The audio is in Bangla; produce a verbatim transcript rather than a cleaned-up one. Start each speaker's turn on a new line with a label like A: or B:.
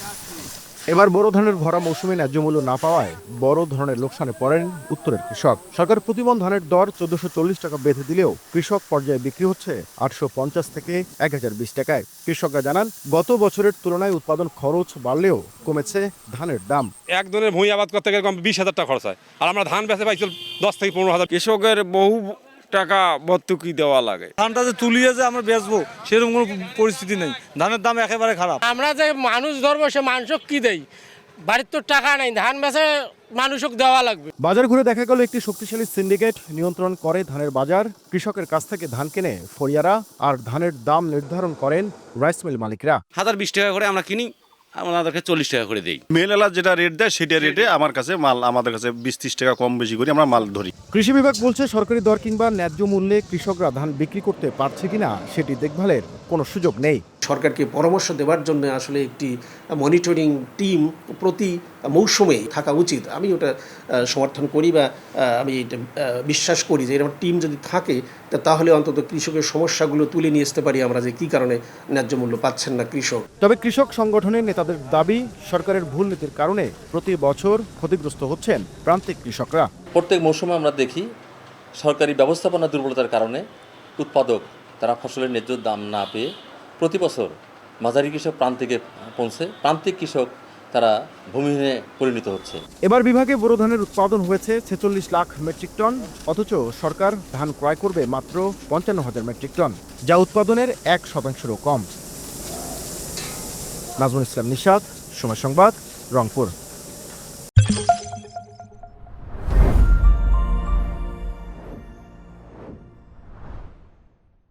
A: এবার বোরো ধানের ভরা মৌসুমে ন্যায্য মূল্য না পাওয়ায় বড় ধরনের লোকসানে পড়েন উত্তরের কৃষক। সরকার প্রতিমন ধানের দর চোদ্দশো চল্লিশ টাকা বেঁধে দিলেও কৃষক পর্যায়ে বিক্রি হচ্ছে আটশো পঞ্চাশ থেকে এক হাজার বিশ টাকায়। কৃষকরা জানান, গত বছরের তুলনায় উৎপাদন খরচ বাড়লেও কমেছে ধানের দাম।
B: এক ধরনের ভূমি আবাদ করতে গেলে কম বিশ হাজার টাকা খরচ হয়, আর আমরা ধান বেচে পাইছি দশ থেকে পনেরো হাজার।
C: কৃষকের বহু টাকা ভর্তুকি দেওয়া লাগে।
D: ধানটা যে তুলিয়ে যে আমরা বেচবো সেরকম কোনো পরিস্থিতি নেই, ধানের দাম একেবারে খারাপ।
E: আমরা যে মানুষ ধরবো সে মানুষক কি দেই, বাড়ির তো টাকা নেই, ধান বেচে মানুষক দেওয়া লাগবে।
A: বাজার ঘুরে দেখা গেল একটি শক্তিশালী সিন্ডিকেট নিয়ন্ত্রণ করে ধানের বাজার। কৃষকের কাছ থেকে ধান কেনে ফরিয়ারা, আর ধানের দাম নির্ধারণ করেন রাইস মিল মালিকরা।
F: হাজার বিশ টাকা করে আমরা কিনি, আমাদেরকে চল্লিশ টাকা করে দিই।
G: মেল এলা যেটা রেট দেয় সেটা রেটে আমার কাছে মাল, আমাদের কাছে বিশ ত্রিশ টাকা কম বেশি করে আমরা মাল ধরি।
A: কৃষি বিভাগ বলছে, সরকারি দর কিংবা ন্যায্য মূল্যে কৃষকরা ধান বিক্রি করতে পারছে কিনা সেটি দেখভালের কোনো সুযোগ নেই।
H: সরকারকে পরামর্শ দেওয়ার জন্য আসলে একটি মনিটরিং টিম প্রতি মৌসুমে থাকা উচিত। আমি ওটা সমর্থন করি বা আমি এটা বিশ্বাস করি যে এরকম টিম যদি থাকে তাহলে অন্তত কৃষকের সমস্যাগুলো তুলে নিয়ে আসতে পারি আমরা, যে কী কারণে ন্যায্য মূল্য পাচ্ছেন না কৃষক।
A: তবে কৃষক সংগঠনের নেতাদের দাবি, সরকারের ভুল নীতির কারণে প্রতি বছর ক্ষতিগ্রস্ত হচ্ছেন প্রান্তিক কৃষকরা।
I: প্রত্যেক মৌসুমে আমরা দেখি সরকারি ব্যবস্থাপনা দুর্বলতার কারণে উৎপাদক তারা ফসলের ন্যায্য দাম না পেয়ে প্রতি বছর মাঝারি কৃষক প্রান্তিকে পৌঁছে, প্রান্তিক কৃষক তারা ভূমিহীনে পরিণত হচ্ছে।
A: এবার বিভাগে বোরো ধানের উৎপাদন হয়েছে ছেচল্লিশ লাখ মেট্রিক টন, অথচ সরকার ধান ক্রয় করবে মাত্র পঞ্চান্ন হাজার মেট্রিক টন, যা উৎপাদনের এক শতাংশেরও কম। নাজমুল ইসলাম নিশাত, সময় সংবাদ, রংপুর।